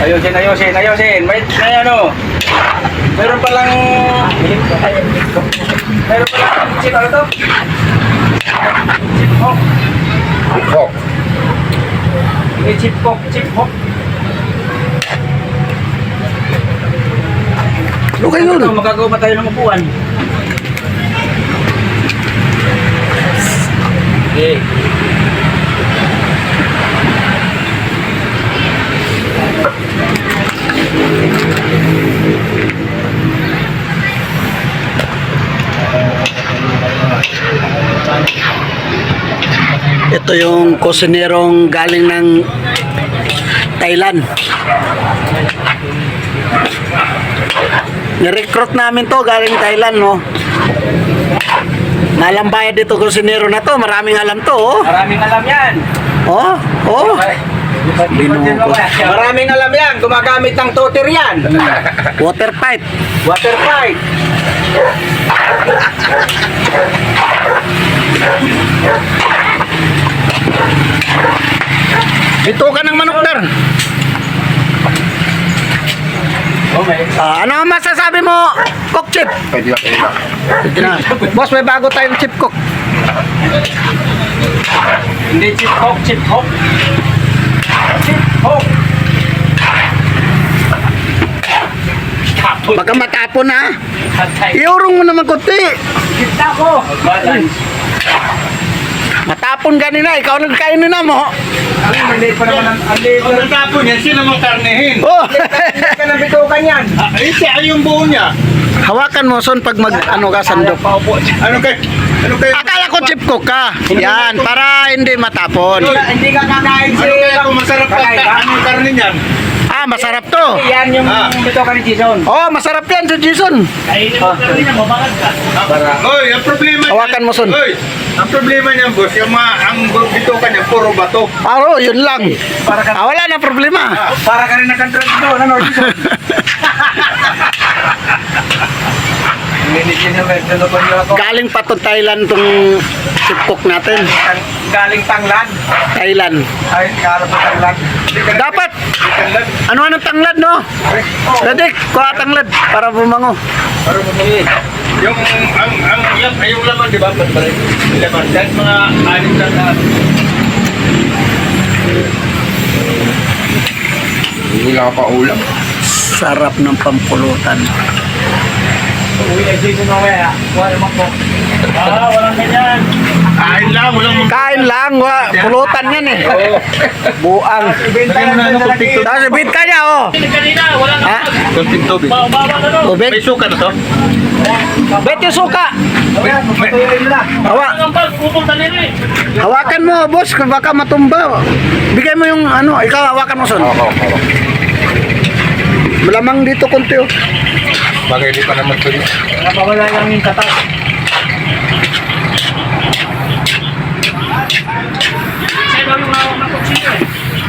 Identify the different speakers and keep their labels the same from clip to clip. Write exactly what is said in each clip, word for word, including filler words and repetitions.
Speaker 1: Ayusin, ayusin, ayusin. May, may ano. Meron palang... Meron palang... Chip, ano to? Chip hawk.
Speaker 2: Chip hawk.
Speaker 1: May chip hawk, chip hawk.
Speaker 2: Okay yun.
Speaker 1: Ito, magagawa pa tayo ng upuan. Okay.
Speaker 2: Ito yung kusinerong galing ng Thailand. Ni-recruit namin to galing Thailand, no? Malang bayad dito kusinero na to. Maraming alam to, oh.
Speaker 1: Maraming alam yan.
Speaker 2: Oh, oh.
Speaker 1: Maraming alam yan. Gumagamit ng toter yan.
Speaker 2: Water pipe.
Speaker 1: Water pipe.
Speaker 2: Dito ka ng manok, dar.
Speaker 1: Okay.
Speaker 2: Ah, ano ang masasabi mo, Cook Chip?
Speaker 3: Pwede na, pwede na.
Speaker 2: Pwede na. Boss, may bago tayong chip cook.
Speaker 1: Hindi chip hawk, chip hawk. Chip hawk.
Speaker 2: Baka matapon, ha?
Speaker 1: Patay.
Speaker 2: Iurong mo naman kunti.
Speaker 1: Kita ko. Balance.
Speaker 2: Matapon kanina, ikaw nagkainin na mo.
Speaker 1: Ang maliit pa naman ang ang liit
Speaker 3: Kung
Speaker 1: pa-
Speaker 3: natapon yan, sino mo karnehin?
Speaker 2: Oh.
Speaker 1: Liit ka ng bitukan yan.
Speaker 3: Ah, eh, siya yung buo niya.
Speaker 2: Hawakan mo, son, pag mag, ano ka, sandok.
Speaker 1: Paupo dyan.
Speaker 3: Ano kay, ano kay...
Speaker 2: Akala ko chip cook ka. Yan, para hindi matapon.
Speaker 1: Hindi ka kakain si...
Speaker 3: Ano kaya kung masarap ka?
Speaker 1: Kakain ka?
Speaker 3: Ano yung karne niyan?
Speaker 2: Ah, masarap to.
Speaker 1: Yan yung
Speaker 3: Ah.
Speaker 1: bitukan ni Jason.
Speaker 2: Oh, masarap yan, si Jason.
Speaker 1: Kainin mo ka rin yan, mabangat ka.
Speaker 3: Oy, ang problema
Speaker 2: Hawakan mo, son.
Speaker 3: Oy, ang problema niyan, boss, yung mga, ang bitukan niya, puro bato.
Speaker 2: Aro, yun lang.
Speaker 1: Para ka,
Speaker 2: Ah, wala na problema.
Speaker 1: para ka rin nag-control doon, ano, Jason? Hindi niya nag-control niyo ako.
Speaker 2: Galing pa to Thailand tong chip cook natin.
Speaker 1: Galing Tanglad.
Speaker 2: Thailand.
Speaker 1: Ay, galing pa Tanglad.
Speaker 2: Dapat, ano anong tanglad, no?
Speaker 1: Oh.
Speaker 2: Dadik, kuha tanglad para bumango.
Speaker 3: Para mo yung, ang, ang, yung, ay, yung laman, di ba? Patbalik. Laman. Dahil mga anim na na.
Speaker 2: Hindi ka pa ulam. Sarap ng pampulutan.
Speaker 1: Uwi na Jason mamaya. Wala naman po. Ah, walang ganyan.
Speaker 3: Kain lang, walang mag...
Speaker 2: Kain lang, wa, pulutan yan eh. Buang.
Speaker 1: Ibenta
Speaker 3: Lagyan mo na
Speaker 1: lang
Speaker 3: ano,
Speaker 1: sa lagi.
Speaker 3: kupit.
Speaker 2: Tapos ibit ka niya, oh.
Speaker 1: Kanina, walang
Speaker 2: Ha?
Speaker 3: Kunting tubig.
Speaker 1: Baba na doon.
Speaker 2: Tubig?
Speaker 3: May suka na to?
Speaker 2: Bet yung suka.
Speaker 1: Patuloy nyo na.
Speaker 2: Hawa,
Speaker 1: Ang pagpupong taliri.
Speaker 2: hawakan mo, boss, kung baka matumba. Bigay mo yung ano, ikaw hawakan mo, son.
Speaker 3: Oo, oo.
Speaker 2: Malamang dito konti, oh.
Speaker 3: Bagay di pa naman ito.
Speaker 1: Napawala lang yung katas. Sa'yo ba yung hawak ng kutsino eh?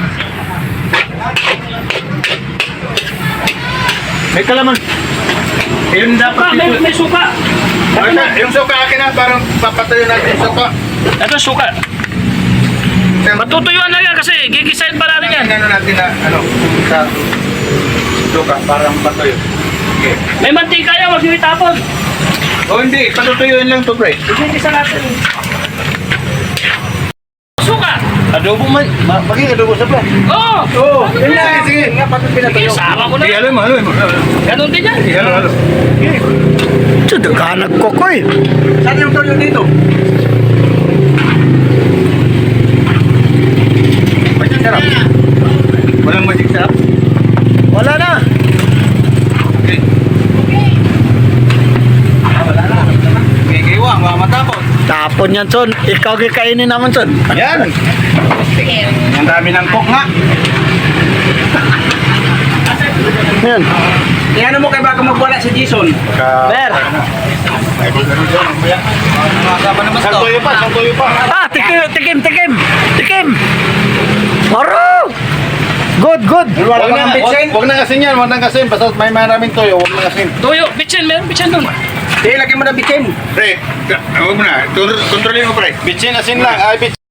Speaker 3: May kalaman. Yun dapat
Speaker 1: Ah, may, may suka.
Speaker 3: Ano, yung suka akin na, parang papatayo natin yung suka.
Speaker 1: Ito suka. Matutuyuan na yan kasi gigisahin pa natin yan.
Speaker 3: Ano natin na, ano, sa suka, parang patayo. Okay.
Speaker 1: May mantika yan, huwag nyo itapon.
Speaker 3: O hindi, patutuyuin lang to, pre.
Speaker 1: Igigisa natin. Suka.
Speaker 3: Adobo man, ma maging adobo sa plan.
Speaker 1: Oo.
Speaker 3: Oo,
Speaker 1: Sige,
Speaker 3: sige, sige.
Speaker 1: Nga, patut pinatuyo. Sama ko na.
Speaker 3: Ihalo mo, halo mo.
Speaker 1: Ganun din yan.
Speaker 3: Ihalo, halo.
Speaker 2: Ito, nagkanag ko ko, eh.
Speaker 1: Saan yung tuyo dito?
Speaker 3: Magic sarap. Walang magic sarap.
Speaker 2: Wala na.
Speaker 3: Okay.
Speaker 1: Wala na.
Speaker 3: Gigiwang, mga matapon.
Speaker 2: Tapon yan, son. Ikaw kikainin naman, son.
Speaker 3: Yan. Ang dami ng cook nga.
Speaker 2: Yan.
Speaker 1: Iano mo kay bago magwala si Jason?
Speaker 2: Ber.
Speaker 3: Ay, kung ganun dyan, mamaya. Isang tuyo pa, isang tuyo pa.
Speaker 2: Ah, tikim, tikim, tikim. Tikim. Maro. Good, good.
Speaker 3: Huwag
Speaker 1: Wala
Speaker 3: na,
Speaker 1: kang bitsin?
Speaker 3: huwag na kasin yan, huwag na kasin. Basta may maraming toyo, huwag na kasin.
Speaker 1: Tuyo, bitsin, meron bitsin doon. Hindi, lagyan mo na bitsin.
Speaker 3: Pre, huwag mo na. Kontrolin mo, pre. Bitsin, asin lang. Ay, bitsin.